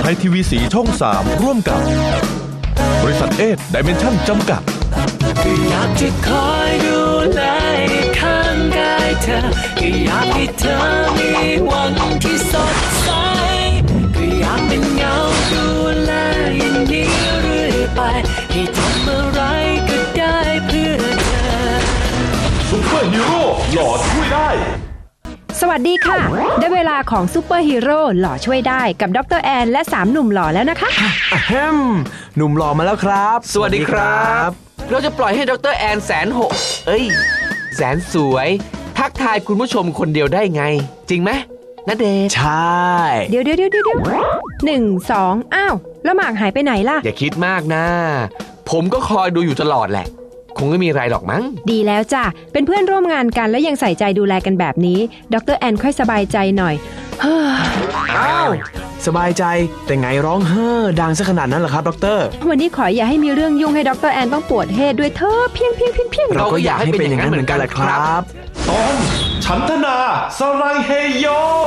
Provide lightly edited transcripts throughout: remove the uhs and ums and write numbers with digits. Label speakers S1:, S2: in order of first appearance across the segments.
S1: ยทีวีสีช่อง 3 ร่วมกับบริษัทเอสไดเมนชั่นจำกัด
S2: ก็อยากจะคอยดูแลข้างกายเธอก็อยากให้เธอมีวันที่สดใสก็อยากเป็นเงาดูแลอย่างนี้เรื่อยไปให้ทำอะไรก็ได้เพื่อเธอ
S1: ซุปเปอร์ฮีโร่หล่อช่วยได้
S3: สวัสดีค่ะได้เวลาของซูเปอร์ฮีโร่หล่อช่วยได้กับดรแอนและ3หนุ่มหล่อแล้วนะคะ
S4: หนุ่มหล่อมาแล้วครับ
S5: สวัสดีครับเราจะปล่อยให้ดรแอนแสนสวยทักทายคุณผู้ชมคนเดียวได้ไงจริงไหมณเดชน์
S4: ใช่
S3: เดี๋ยว1 2อ้าวแล้วหมากหายไปไหนล่ะ
S5: อย่าคิดมากนะผมก็คอยดูอยู่ตลอดแหละคงไม่มีอะไรหรอกมั้ง
S3: ดีแล้วจ้ะเป็นเพื่อนร่วมงานกันแล้วยังใส่ใจดูแลกันแบบนี้ดรแอนค่อยสบายใจหน่อย
S4: อ้าวสบายใจแต่ไงร้องดังซะขนาดนั้นเหรอครับดร.
S3: วันนี้ขออย่าให้มีเรื่องยุ่งให้ดรแอนต้องปวดเฮดด้วยเธอเพียง
S4: เราก็อยากให้เป็นอย่างนั้นเหมือนกันแหละครับ
S1: ตอนฉันทนาสไลเฮโย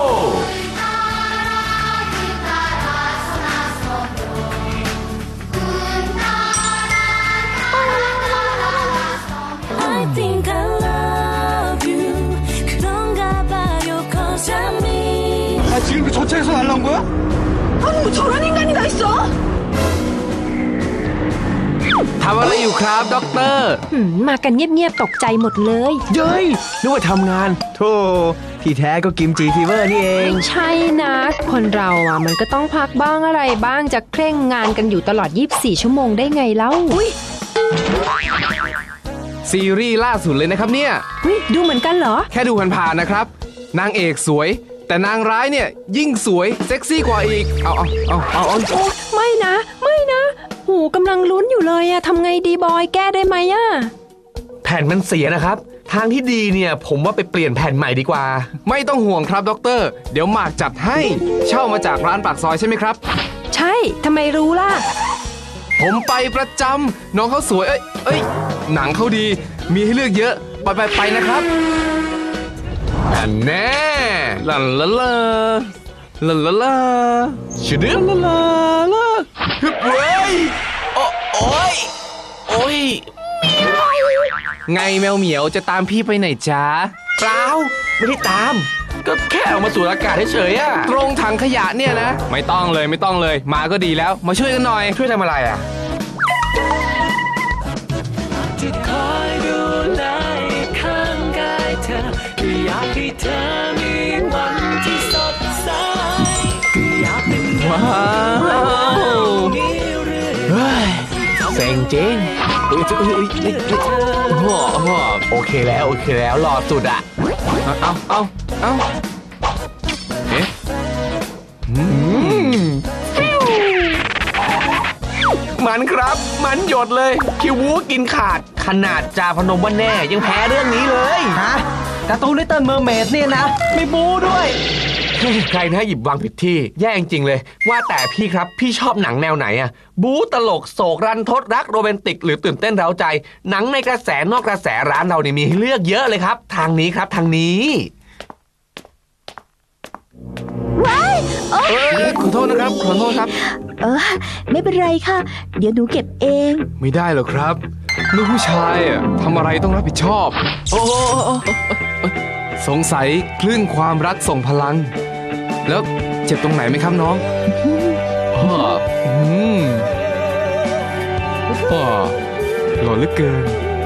S6: 지금 그 조차에서 날라온 거야? 아니 뭐 저런 인간이 다 있어?
S5: ทำอะไรอยู่ครับด็อกเตอร์
S3: มากันเงียบๆตกใจหมดเลย
S4: เย้ยนึกว่าทำงานโธ่ที่แท้ก็กิมจีฟีเวอร์นี่เอง
S3: ไม่ใช่นะคนเราอ่ะมันก็ต้องพักบ้างอะไรบ้างจะเคร่งงานกันอยู่ตลอด24ชั่วโมงได้ไงเล่า
S5: ซีรีส์ล่าสุดเลยนะครับเนี่ย
S3: ดูเหมือนกันเหรอ
S5: แค่ดูผ่านๆนะครับนางเอกสวยแต่นางร้ายเนี่ยยิ่งสวยเซ็กซี่กว่าอีกเอา
S3: ไม่นะหูกำลังลุ้นอยู่เลยอะทำไงดีบอยแก้ได้ไหมอะ
S5: แผ่นมันเสียนะครับทางที่ดีเนี่ยผมว่าไปเปลี่ยนแผ่นใหม่ดีกว่าไม่ต้องห่วงครับด็อกเตอร์เดี๋ยวหมากจัดให้เช่ามาจากร้านปากซอยใช่ไหมครับ
S3: ใช่ทำไมรู้ล่ะ
S5: ผมไปประจำน้องเขาสวยเอ้ยหนังเขาดีมีให้เลือกเยอะไปนะครับอันแน่ลาชื่อเดือลาฮึบเว้ยโอ้ยไงแมวเหมียวจะตามพี่ไปไหนจ๊ะเปล่าไม่ได้ตามก็แค่ออกมาสูดอากาศเฉยๆอะตรงถังขยะเนี่ยนะไม่ต้องเลยมาก็ดีแล้วมาช่วยกันหน่อยช่วยทำอะไรอะ
S2: อยากให้เธอมีวันที่สดใสอยากเป็น
S5: ว้าวเซ็งจริงโอเคแล้วรอสุดอ่ะเอาเอ๊ะมันครับมันหยดเลยคิววูกินขาดขนาดจาพนมว่าแน่ยังแพ้เรื่องนี้เลย
S4: ฮะการ์ตูนลิตเติ้ลเมอร์เมดเนี่ยนะมีบูด้วย
S5: ใครนะหยิบวางผิดที่แย่จริงเลยว่าแต่พี่ครับพี่ชอบหนังแนวไหนอะบู๊ตลกโศกรันทดรักโรแมนติกหรือตื่นเต้นเร้าใจหนังในกระแสนอกกระแสร้านเราเนี่ยมีให้เลือกเยอะเลยครับทางนี้ครับทางนี้ขอโทษนะครับ
S7: ไม่เป็นไรค่ะเดี๋ยวหนูเก็บเอง
S5: ไม่ได้หรอกครับลูกผู้ชายทำอะไรต้องรับผิดชอบสงสัยคลื่นความรักส่งพลังแล้วเจ็บตรงไหนไหมครับน้องหล่อเหลือเกิน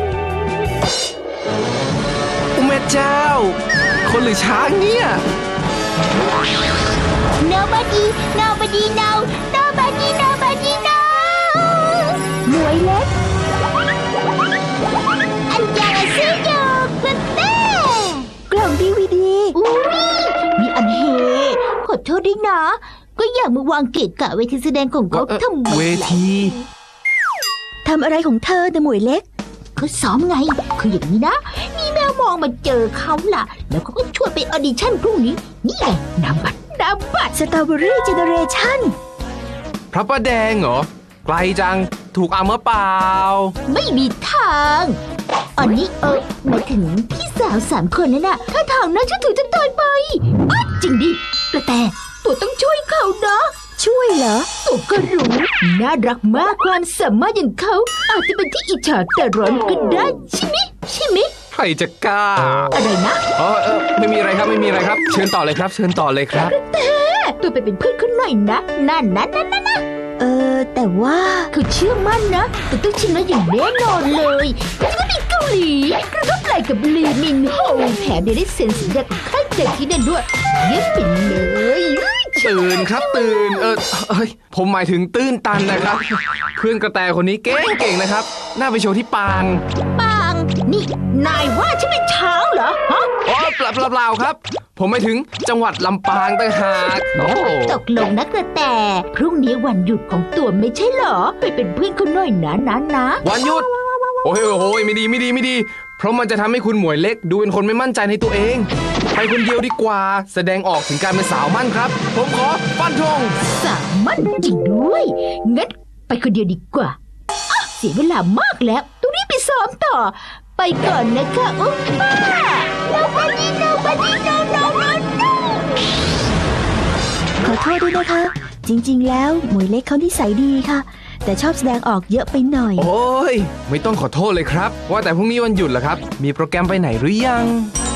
S5: แม่เจ้าคนหรือช้างเนี่ย
S7: Nobody no หมวยเล็กอันยาซื้อโยกเต้กล่องดีวีดีมีอันเฮขอโทษด้วยนะก็อยากมาวางเกะกะเวทีแสดงของเขาทำไม
S5: เวที
S7: ทำอะไรของเธอนะหมวยเล็กก็ซ้อมไงคืออย่างนี้นะมีแมวมองมาเจอเขาล่ะแล้วเขาก็ชวนไปออดิชั่นพรุ่งนี้นี่ไงนำบัตรสตรอเบอรี่เจเนเรชั่น
S5: พระประแดงเหรอไกลจังถูกอำเปล่า
S7: ไม่มีทางอันนี้หมายถึงพี่สาว3 คนนั่นน่ะถ้าทางน่าจะถือจะตายไปจริงดิกระแตตัวต้องช่วยเขานะช่วยด้วยเหรอตัวก็รู้น่ารักมากความสามารถอย่างเขาอาจจะเป็นที่อิจฉาแต่ร้อนก็ได้ใช่ไหมใช่ไหม
S5: ใครจะกล้า
S7: อะไรนะ
S5: ไม่มีอะไรครับไม่มีอะไรครับ เชิญต่อเลยครับ เชิญต่อเลยครับ
S7: ตัวไปเป็นเพื่อนเขาหน่อยนะนั่นแต่ว่าเขาเชื่อมั่นนะแต่ต้องชนะอย่างแน่นอนเลยเขาจะไปเกาหลีกระทบไหล่กับลีมินโฮแถมยังได้เซ็นสัญญากับค่ายเพลงที่นั่นด้วยเยี่ยมไปเลย
S5: ตื่นครับตื่นผมหมายถึงตื้นตันนะครับ เพื่อนกระแตคนนี้เก่งนะครับ น่าไปโชว์ที่ปาง
S7: ปังนี่นายว่าฉันเป็นช้างเหรอฮะ
S5: เปล่าครับ ผมหมายถึงจังหวัดลำปางต่างหากโอ้
S7: ตกลงนะกระแตพรุ่งนี้วันหยุดของตัวไม่ใช่เหรอไปเป็นเพื่อนเขาหน่อยนะ
S5: วันหยุดโอ้ยไม่ดีเพราะมันจะทำให้คุณหมวยเล็กดูเป็นคนไม่มั่นใจในตัวเองไปคนเดียวดีกว่าแสดงออกถึงการเป็นสาวมั่นครับผมขอฟันธง
S7: สามั่นจริงด้วยงั้นไปคนเดียวดีกว่าเสียเวลามากแล้วต้องรีบไปซ้อมต่อไปก่อนนะคะอุ๊บป้า nobody no
S8: ขอโทษด้วยนะคะ จริงๆ แล้วหมวยเล็กเขานิสัยดีค่ะ แต่ชอบแสดงออกเยอะไปหน่อย
S5: โอ้ยไม่ต้องขอโทษเลยครับว่าแต่พรุ่งนี้วันหยุดเหรอครับมีโปรแกรมไปไหนหรือยัง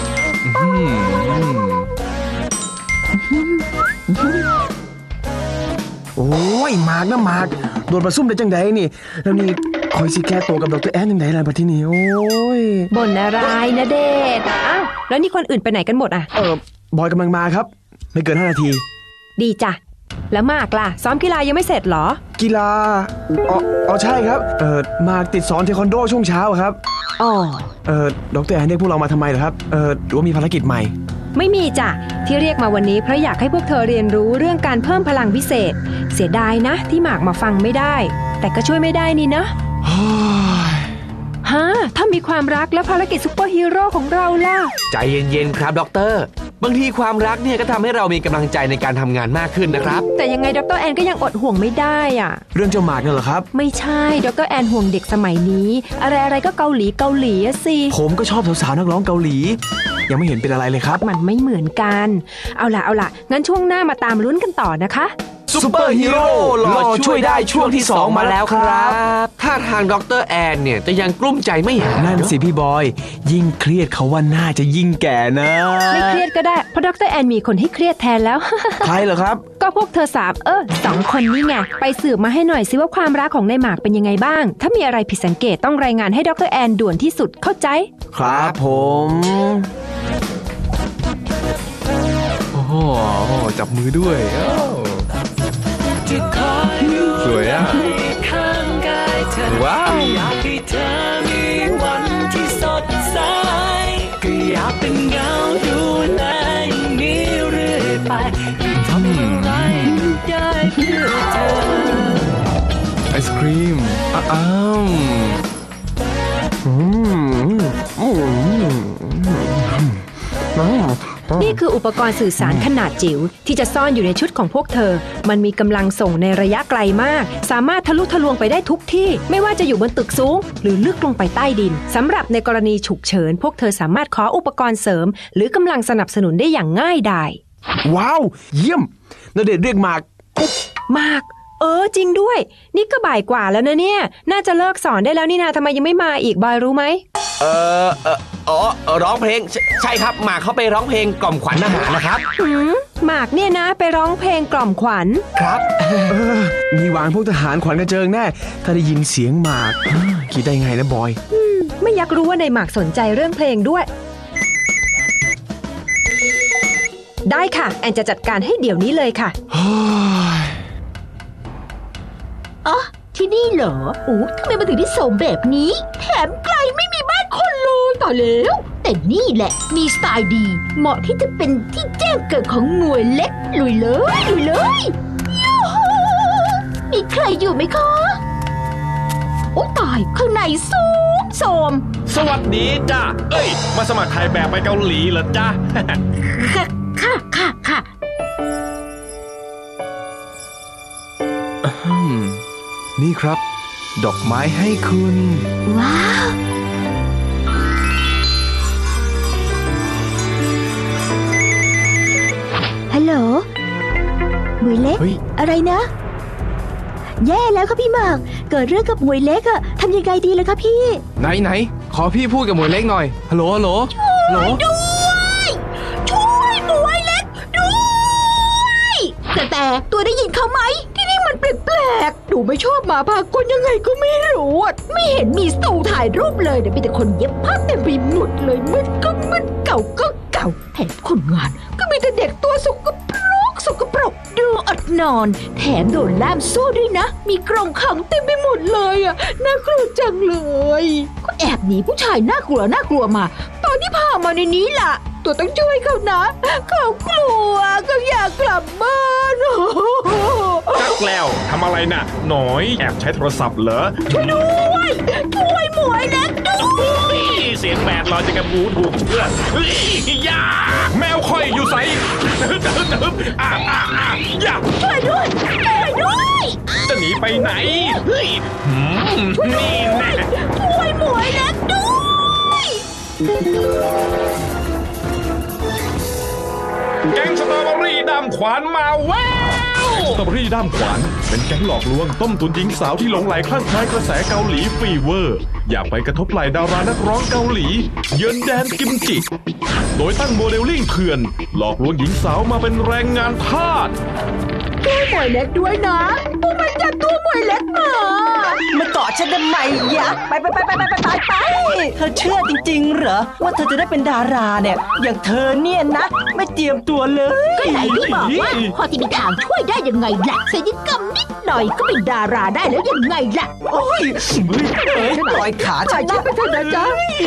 S4: โอ้ยหมากนะหมากโดนประซุ่มได้จังใดนี่แล้วนี่คอยสิแก้ตัวกับดรแอนจังใดล่ะบัดทีนี้โอ้ย
S3: บ่นอะไรนะเดชอ้าวแล้วนี่คนอื่นไปไหนกันหมดอ่ะ
S4: บอยกำลังมาครับไม่เกิน5 นาที
S3: ดีจ้ะแล้วมากล่ะซ้อมกีฬายังไม่เสร็จเหรอ
S4: กีฬาอ๋อใช่ครับหมากติดสอนเทควันโดช่วงเช้าครับ
S3: อ๋อ
S4: ดรแอนเรียกพวกเรามาทำไมเหรอครับหรือว่ามีภารกิจใหม่
S3: ไม่มีจ้ะที่เรียกมาวันนี้เพราะอยากให้พวกเธอเรียนรู้เรื่องการเพิ่มพลังพิเศษเสียดายนะที่หมากมาฟังไม่ได้ แต่ก็ช่วยไม่ได้นี่เนอะฮะถ้ามีความรักและภารกิจซุปเปอร์ฮีโร่ของเราล่ะ
S5: ใจเย็นๆครับด็อกเตอร์บางทีความรักเนี่ยก็ทำให้เรามีกำลังใจในการทำงานมากขึ้นนะครับ
S3: แต่ยังไงดรแอนก็ยังอดห่วงไม่ได้อ่ะ
S4: เรื่องเจ้าหมากเนี่ยเหรอครับ
S3: ไม่ใช่ดรแอนห่วงเด็กสมัยนี้ อะไรก็เกาหลีอะสิ
S4: ผมก็ชอบสาวๆนักร้องเกาหลียังไม่เห็นเป็นอะไรเลยครับ
S3: มันไม่เหมือนกันเอาล่ะงั้นช่วงหน้ามาตามลุ้นกันต่อนะคะ
S4: ซุปเปอร์ฮีโร่หล่อช่วยได้ช่วงที่2มาแล้วครับ
S5: ถ้าทางด็อกเตอร์แอนเนี่ยจะยังกลุ้มใจไม่หาย
S4: นั่นสิพี่บอยยิ่งเครียดเขาว่าน่าจะยิ่งแก่นะ
S3: ไม่เครียดก็ได้เพราะดรแอนมีคนให้เครียดแทนแล้ว
S4: ใครเหรอครับ
S3: ก็พวกเธอ2 คนนี่ไงไปสืบมาให้หน่อยสิว่าความรักของนายหมากเป็นยังไงบ้างถ้ามีอะไรผิดสังเกตต้องรายงานให้ดรแอนด่วนที่สุดเข้าใจ
S4: ครับผม
S1: โอ้โหจับมือด้วยสวยอ่ะ
S2: ข้างกายเธอ
S1: ว้าว
S2: อยากให้เธอมีวันที่สดใสก็อยากเป็นเงาดูแลอย่างนี้เรื่อยไปทำอะไรได้เพื่อเธอ
S1: ไอศครีมอ้าว
S3: นี่คืออุปกรณ์สื่อสารขนาดจิ๋วที่จะซ่อนอยู่ในชุดของพวกเธอมันมีกำลังส่งในระยะไกลมากสามารถทะลุทะลวงไปได้ทุกที่ไม่ว่าจะอยู่บนตึกสูงหรือลึกลงไปใต้ดินสำหรับในกรณีฉุกเฉินพวกเธอสามารถขออุปกรณ์เสริมหรือกำลังสนับสนุนได้อย่างง่ายดาย
S4: ว้าวเยี่ยมณเดชน์เรียกหมากปุ๊บ
S3: มากจริงด้วยนี่ก็บ่ายกว่าแล้วนะเนี่ยน่าจะเลิกสอนได้แล้วนี่นาทำไมยังไม่มาอีกบอยรู้ไหม
S5: ร้องเพลงใช่ครับหมากเขาไปร้องเพลงกล่อมขวัญอาหารนะครับ
S3: หมากเนี่ยนะไปร้องเพลงกล่อมขวัญ
S5: ครับ
S4: มีวางพวกทหารขวัญกระเจิงแน่ถ้าได้ยินเสียงหมากคิดได้ไงนะบอย
S3: ไม่อยากรู้ว่าในหมากสนใจเรื่องเพลงด้วยได้ค่ะแอนจะจัดการให้เดี๋ยวนี้เลยค่ะ
S7: อ๋อที่นี่เหรอโอ้ทำไมมาถึงที่โสมแบบนี้แถมไกลไม่มีบ้านคนเลยต่อแล้วแต่นี่แหละมีสไตล์ดีเหมาะที่จะเป็นที่แจ้งเกิดของหน่วยเล็กลุยเลยยูฮูมีใครอยู่ไหมคะโอ้ตายข้างในสูงโสม
S9: สวัสดีจ้ามาสมัครถ่ายแบบไปเกาหลีเหรอจ้า
S7: ค่ะ
S1: นี่ครับ ดอกไม้ให้คุณ
S8: ว้าว ฮัลโหลหมวยเล็ก
S1: เฮ้ย
S8: อะไรนะแย่แล้วค่ะพี่หมาก เกิดเรื่องกับหมวยเล็กอะทำยังไงดีล่ะคะพี่
S5: ไหนขอพี่พูดกับหมวยเล็กหน่อยฮัลโหลฮัลโหลฮัลโหล
S7: ช่วยหมวยเล็กด้วยแต่ตัวได้ยินเขาไหมที่นี่มันแปลกๆหนูไม่ชอบหมาพากลยังไงก็ไม่รู้อะไม่เห็นมีสตูถ่ายรูปเลยเดี๋ยวมีแต่คนเย็บผ้าเต็มไปหมดเลยมึนก็มึนเก่าก็เก่าแถมคนงานก็มีแต่เด็กตัวสกปรกดูอดนอนแถมโดนล่ามโซ่ด้วยนะมีกรงขังเต็มไปหมดเลยอะน่ากลัวจังเลยก็แอบหนีผู้ชายน่ากลัวมาตอนที่พามาในนี้ล่ะตัวต้องช่วยเขานะเขากลัวเขาอยากกลับบ้าน
S9: จักแล้วทำอะไรน่ะ หน่อยแอบใช้โทรศัพท์เหรอ
S7: ช่วยหมวยเล็กด้วย
S9: เสียงแบดลอยจะกระบูถูกเพื่อนเฮ้ยอย่าแมวค่อยอยู่ใสอย่า
S7: ช่วยด้วย
S9: จะหนีไปไหนเฮ้ยนี่แน่
S7: ช่วยหมวยเล็กด้วย
S9: แก๊งสตรอเบอรี่ดำขวานมาแวว
S1: สตรอเบอรี่ด้ามขวานเป็นแก๊งหลอกลวงต้มตุนหญิงสาวที่หลงไหลคลั่งไคล้กระแสเกาหลีฟีเวอร์ อยากไปกระทบไหล่ดารานักร้องเกาหลี เยือนแดนกิมจิ โดยตั้งโมเดลลิ่งเถื่อน หลอกลวงหญิงสาวมาเป็นแรงงานทาส
S7: ช่วยหมวยเล็กด้วยนะพวกมันจับตัวหมวยเล็กมา
S6: มาเกาะฉันทำไมยะไปเธอเชื่อจริงๆเหรอว่าเธอจะได้เป็นดาราเนี่ย อย่างเธอเนี่ยนะ ไม่เตรียมตัวเลย
S7: ก็ไหนพี่บอกว่าพอจะมีทางช่วยได้ยังไงล่ะศัลยกรรมนิดหน่อยก็เป็นดาราได้แล้วยังไงล่ะ
S6: โอ้ยปล่อยขาฉัน
S7: ไปเถอะนะจ๊ะ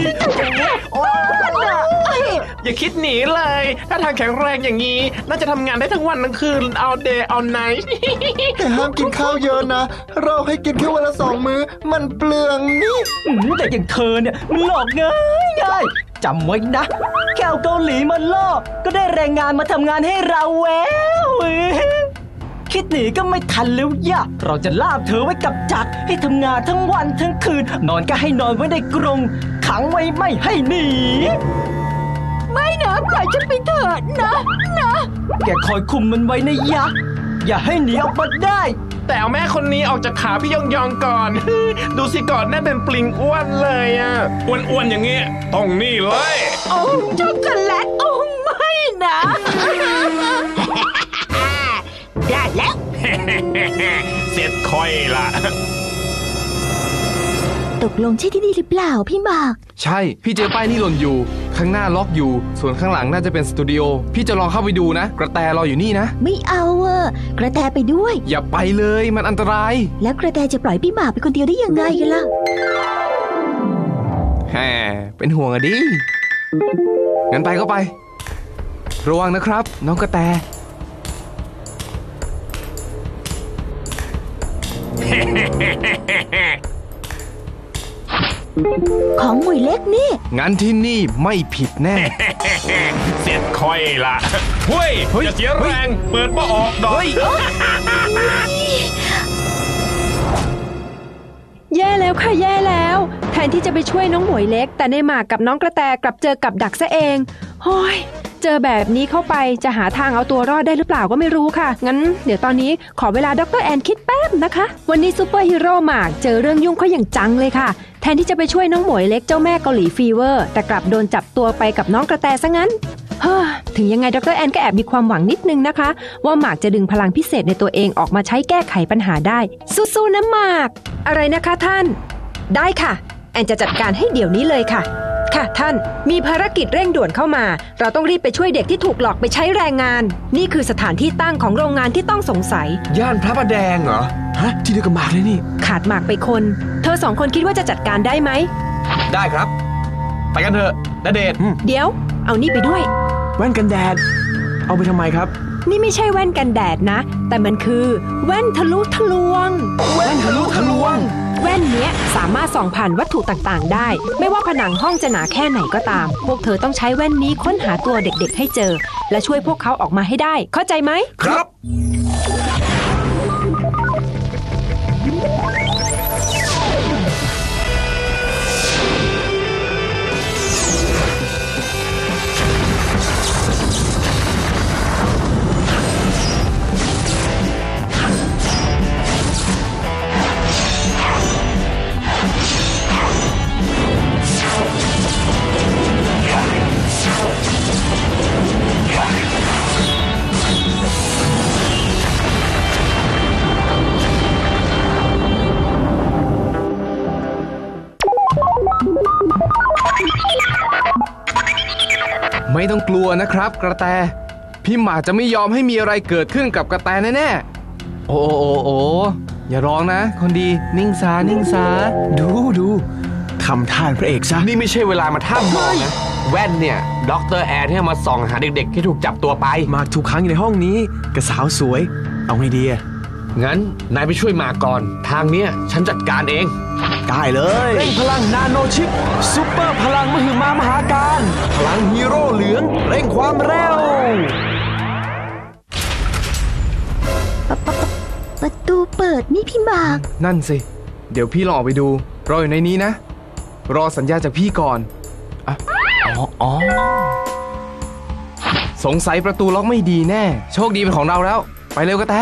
S5: อย่าคิดหนีเลย ถ้าทางแข็งแรงอย่างนี้ น่าจะทำงานได้ทั้งวันทั้งคืน all day all night
S10: แต่ห้ามกินข้าวเยอะนะ เราให้กินแค่วันละ2 มื้อ มันเปลืองนี่
S6: แต่อย่างเธอเนี่ยมันหลอกง่ายจำไว้นะ แค่เอาเกาหลีมาล่อก็ได้แรงงานมาทำงานให้เราแววคิดหนีก็ไม่ทันแล้วย่ะเราจะล่ามเธอไว้กับจักรให้ทำงานทั้งวันทั้งคืน นอนก็ให้นอนไว้ในกรงขังไว้ไม่ให้หนี
S7: ไม่นะปล่อยฉันไปเถอะนะ
S6: แกคอยคุมมันไว้นะยะ อย่าให้หนีออกมาได้
S5: แต่เอาแม่คนนี้ออกจากขาพี่ยองก่อน ดูสิก่อนแน่เป็นปลิงอ้วนเลยอ่ะ
S9: อ้วนๆอย่างเงี้ยต้องนี่เลย
S7: โอ้ช็อกโกแลตโอ้ไม่นะ ได้แล้ว
S9: เสร็จค่อยละ
S8: ตกลงใช่ที่นี่หรือเปล่าพี่หมาก
S5: ใช่ พี่เจอป้ายนี่หล่นอยู่ ข้างหน้าล็อกอยู่ ส่วนข้างหลังน่าจะเป็นสตูดิโอ พี่จะลองเข้าไปดูนะ กระแตรออยู่นี่นะ
S8: ไม่เอาอะกระแตไปด้วย
S5: อย่าไปเลยมันอันตราย
S8: แล้วกระแตจะปล่อยพี่หมากไปคนเดียวได้ยังไงกันล่ะ
S5: แหมเป็นห่วงอะดิ งั้นไปก็ไป ระวังนะครับ น้องกระแต
S8: ของหมวยเล็กนี่
S5: งั้นที่นี่ไม่ผิดแน่
S9: เสร็จค่อยละเฮ้ยอย่าเสียแรงเปิดบ่ออกดอก
S3: แย่แล้วค่ะแย่แล้ว แทนที่จะไปช่วยน้องหมวยเล็ก แต่ในหมากกับน้องกระแตกลับเจอกับดักซะเองโอ้ยเจอแบบนี้เข้าไปจะหาทางเอาตัวรอดได้หรือเปล่าก็ไม่รู้ค่ะงั้นเดี๋ยวตอนนี้ขอเวลาดร.แอนคิดแป๊บนะคะวันนี้ซูเปอร์ฮีโร่หมากเจอเรื่องยุ่งเขาอย่างจังเลยค่ะแทนที่จะไปช่วยน้องหมวยเล็กเจ้าแม่เกาหลีฟีเวอร์แต่กลับโดนจับตัวไปกับน้องกระแตซะงั้นถึงยังไงดร.แอนก็แอบมีความหวังนิดนึงนะคะว่าหมากจะดึงพลังพิเศษในตัวเองออกมาใช้แก้ไขปัญหาได้สู้ๆนะหมากอะไรนะคะท่านได้ค่ะแอนจะจัดการให้เดี๋ยวนี้เลยค่ะค่ะท่านมีภารกิจเร่งด่วนเข้ามาเราต้องรีบไปช่วยเด็กที่ถูกหลอกไปใช้แรงงานนี่คือสถานที่ตั้งของโรงงานที่ต้องสงสัย
S4: ย่านพระประแดงเหรอ ฮะ ที่เดียวกับหมากเลยนี่
S3: ขาดหมากไปคนเธอ2 คนคิดว่าจะจัดการได้ไหม
S5: ได้ครับ ไปกันเถอะณเดชน์
S3: เดี๋ยวเอานี่ไปด้วย
S4: แว่นกันแดด เอาไปทำไมครับ
S3: นี่ไม่ใช่แว่นกันแดดนะแต่มันคือแว่นทะลุทะลวง
S4: แว่นทะลุทะลวง
S3: แว่นเนี้ยสามารถส่องผ่านวัตถุต่างๆได้ไม่ว่าผนังห้องจะหนาแค่ไหนก็ตามพวกเธอต้องใช้แว่นนี้ค้นหาตัวเด็กๆให้เจอและช่วยพวกเขาออกมาให้ได้เข้าใจไหม
S4: ครับ
S5: ไม่ต้องกลัวนะครับกระแตพี่หมาจะไม่ยอมให้มีอะไรเกิดขึ้นกับกระแตแน่ๆโอ้อย่าร้องนะคนดีนิ่งซา
S4: ดูทำท่านพระเอกซะ
S5: นี่ไม่ใช่เวลามาท่ามองนะแว่นเนี่ยด็อกเตอร์แอร์ที่มาส่องหาเด็กๆที่ถูกจับตัวไป
S4: มากถูกขังอยู่ในห้องนี้กับสาวสวยเอาไงดี
S5: งั้นนายไปช่วยมาก่อนทางเนี้ยฉันจัดการเอง
S4: ได้เลยเร่งพลังนาโนชิปซุปเปอร์พลังมหึมามหาการพลังฮีโร่เหลืองเร่งความเร็ว
S8: ประตูเปิดนี่พี่หมาก
S5: นั่นสิเดี๋ยวพี่ลองออกไปดูรออยู่ในนี้นะรอสัญญาจากพี่ก่อนอ๋อสงสัยประตูล็อกไม่ดีแน่โชคดีเป็นของเราแล้วไปเร็วกระแต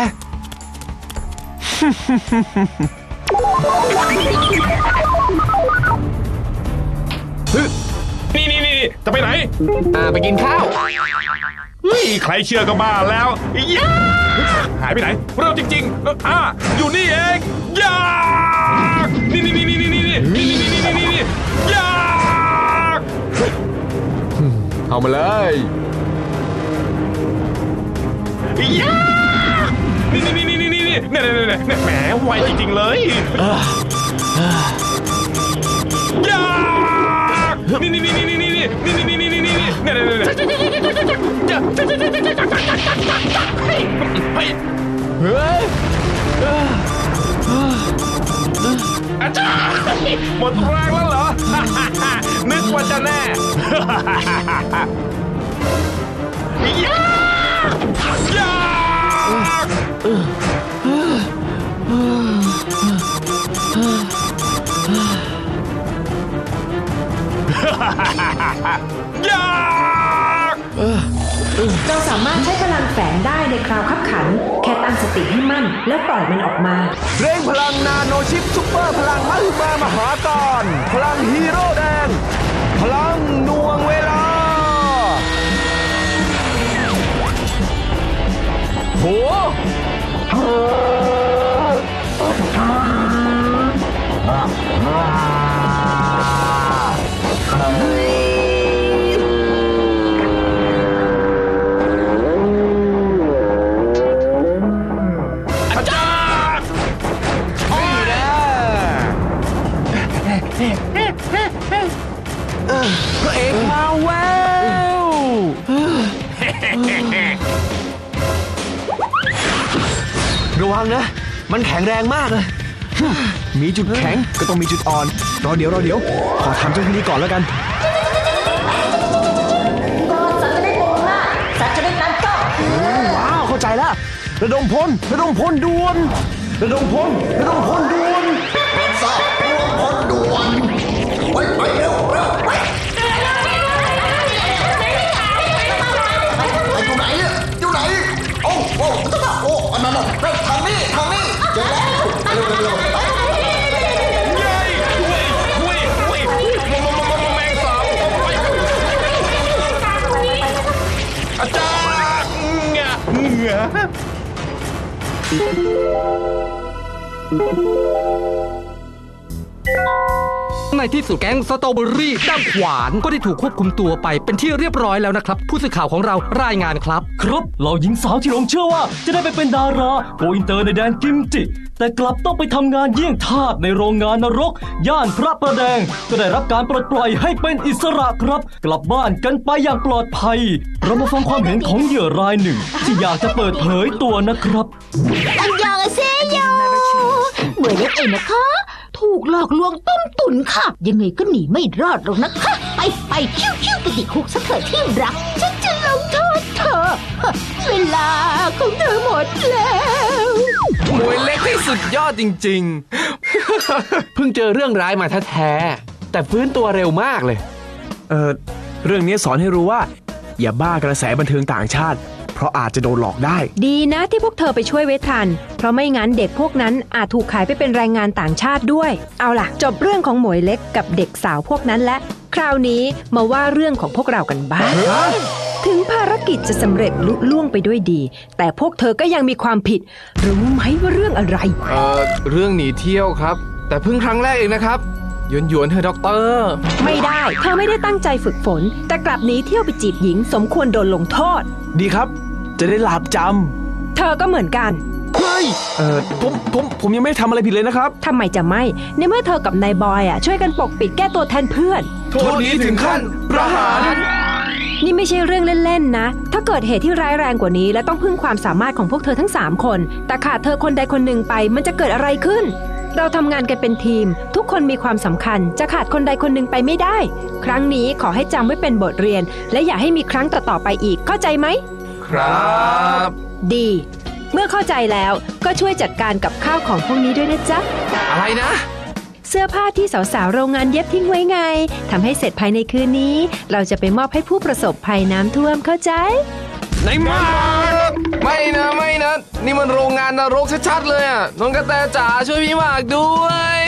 S9: นี่จะไปไหน
S5: ไปกินข้าว
S9: ใครเชื่อก็บ้าแล้วหายไปไหนเร็วจริงๆอยู่นี่เองยานี่ยา
S5: เอามาเลย
S9: ยานี่แหมไวจริงๆเลยยาอาจารย์หมดแรงแล้วเหรอนึกว่าจะแน่
S3: เราสามารถใช้พลังแฝงได้ในคราวคับขันแค่ตั้งสติให้มั่นแล้วปล่อยมันออกมา
S4: เร่งพลังนาโนชิปซุปเปอร์พลังมหึมามหาการพลังฮีโร่แดงพลังหน่วงเวลาโหพระเอกมาแววระวังนะมันแข็งแรงมากเลยมีจุดแข็งก็ต้องมีจุดอ่อนรอเดี๋ยวขอทำเจ้าที่นี้ก่อนแล้วกัน
S7: สัตว์จะได้โผล่หน้าสัตว์จะได้นั้นก็
S4: ว้าวเข้าใจแล้วระดมพลด่วนระดมพลด่วน
S10: ทราบรวมพลด่วนไปเร็วไปอยู่ไหนโอ้อันนั้นทางนี้เจอแล้วเร็ว
S9: แมงสาบอาจารย์เหงื่อ
S11: ในที่สุดแก๊งสตรอเบอรี่ด้ามขวานก็ได้ถูกควบคุมตัวไปเป็นที่เรียบร้อยแล้วนะครับผู้สื่อข่าวของเรารายงานครับ
S6: เหล่าหญิงสาวที่หลงเชื่อว่าจะได้ไปเป็นดาราโกอินเตอร์ในแดนกิมจิแต่กลับต้องไปทำงานเยี่ยงทาสในโรงงานนรกย่านพระประแดงก็ได้รับการปลดปล่อยให้เป็นอิสระครับกลับบ้านกันไปอย่างปลอดภัยเรามาฟังความเห็นของเหยื่อรายหนึ่งที่อยากจะเปิดเผยตัวนะครับ
S7: อันยองเซโยเหมือนเล็กเองนะคะถูกหลอกลวงต้มตุ๋นค่ะยังไงก็หนีไม่รอดหรอกนะคะไปคิ้วไปติดคุกซะเถิดที่รักฉันจะลงโทษเธอเวลาของเธอหมดแล้ว
S5: มวยเล็กที่สุดยอดจริงๆเพิ่งเจอเรื่องร้ายมาแท้ๆแต่ฟื้นตัวเร็วมากเลย
S4: เรื่องนี้สอนให้รู้ว่าอย่าบ้ากระแสบันเทิงต่างชาติเพราะอาจจะโดนหลอกได้
S3: ดีนะที่พวกเธอไปช่วยไว้ทันเพราะไม่งั้นเด็กพวกนั้นอาจถูกขายไปเป็นแรงงานต่างชาติด้วยเอาล่ะจบเรื่องของหมวยเล็กกับเด็กสาวพวกนั้นและคราวนี้มาว่าเรื่องของพวกเรากันบ้างถึงภารกิจจะสำเร็จลุล่วงไปด้วยดีแต่พวกเธอก็ยังมีความผิดรู้ไหมว่าเรื่องอะไร
S5: เรื่องหนีเที่ยวครับแต่เพิ่งครั้งแรกเองนะครับหยวนๆเธอะด็อกเตอร์
S3: ไม่ได้ เธอไม่ได้ตั้งใจฝึกฝน แต่กลับหนีเที่ยวไปจีบหญิงสมควรโดนลงโทษ
S4: ดีครับ จะได้หลาบจ
S3: เธอก็เหมือนกัน
S4: ำเฮ้ยผมยังไม่ได้ทำอะไรผิดเลยนะครับ
S3: ทำไมจะไม่ ในเมื่อเธอกับนายบอยช่วยกันปกปิดแก้ตัวแทนเพื่อน
S4: โทษนี้ถึงขั้นประหาร
S3: นี่ไม่ใช่เรื่องเล่นๆนะ ถ้าเกิดเหตุที่ร้ายแรงกว่านี้และต้องพึ่งความสามารถของพวกเธอทั้ง3คนแต่ขาดเธอคนใดคนหนึ่งไปมันจะเกิดอะไรขึ้น เราทำงานกันเป็นทีม ทุกคนมีความสำคัญจะขาดคนใดคนหนึ่งไปไม่ได้ ครั้งนี้ขอให้จำไว้เป็นบทเรียน และอย่าให้มีครั้งต่อๆไปอีกเข้าใจไหม
S5: ครับ
S3: ดี เมื่อเข้าใจแล้วก็ช่วยจัดการกับข้าวของพวกนี้ด้วยนะจ๊ะ
S5: อะไรนะ
S3: เสื้อผ้าที่สาวๆโรงงานเย็บทิ้งไว้ไงทำให้เสร็จภายในคืนนี้ เราจะไปมอบให้ผู้ประสบภัยน้ำท่วมเข้าใจ
S4: ไหนมา
S5: ไม่นะนี่มันโรงงานนรกชัดๆเลยอ่ะน้องกระแตจ๋าช่วยพี่หมากด้วย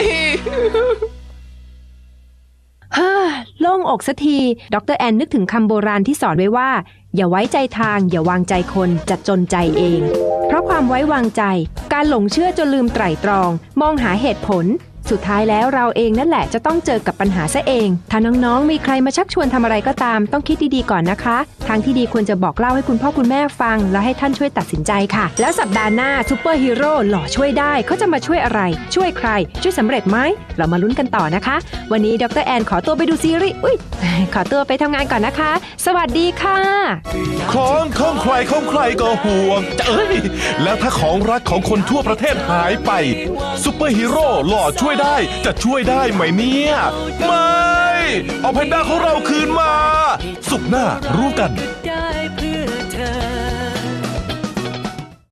S3: ฮ่าโล่งอกสักที ดรแอนนึกถึงคำโบราณที่สอนไว้ว่า อย่าไว้ใจทางอย่าวางใจคนจะจนใจเอง เพราะความไว้วางใจ การหลงเชื่อจนลืมไตร่ตรอง มองหาเหตุผล สุดท้ายแล้วเราเองนั่นแหละจะต้องเจอกับปัญหาซะเอง ถ้าน้องๆมีใครมาชักชวนทำอะไรก็ตามต้องคิดดีๆก่อนนะคะ ทางที่ดีควรจะบอกเล่าให้คุณพ่อคุณแม่ฟังแล้วให้ท่านช่วยตัดสินใจค่ะ แล้วสัปดาห์หน้าซูเปอร์ฮีโร่หล่อช่วยได้เขาจะมาช่วยอะไร ช่วยใคร ช่วยสำเร็จไหมเรามาลุ้นกันต่อนะคะ วันนี้ดรแอนขอตัวไปดูซีรีส์ขอตัวไปทำงานก่อนนะคะ สวัสดีค่ะ
S1: ของใครก็ห่วงจะแล้วถ้าของรักของคนทั่วประเทศหายไปซุปเปอร์ฮีโร่หล่อช่วยได้จะช่วยได้ไหมเนี่ยไม่เอาแพนด้าของเราคืนมาศุกร์หน้ารู้กัน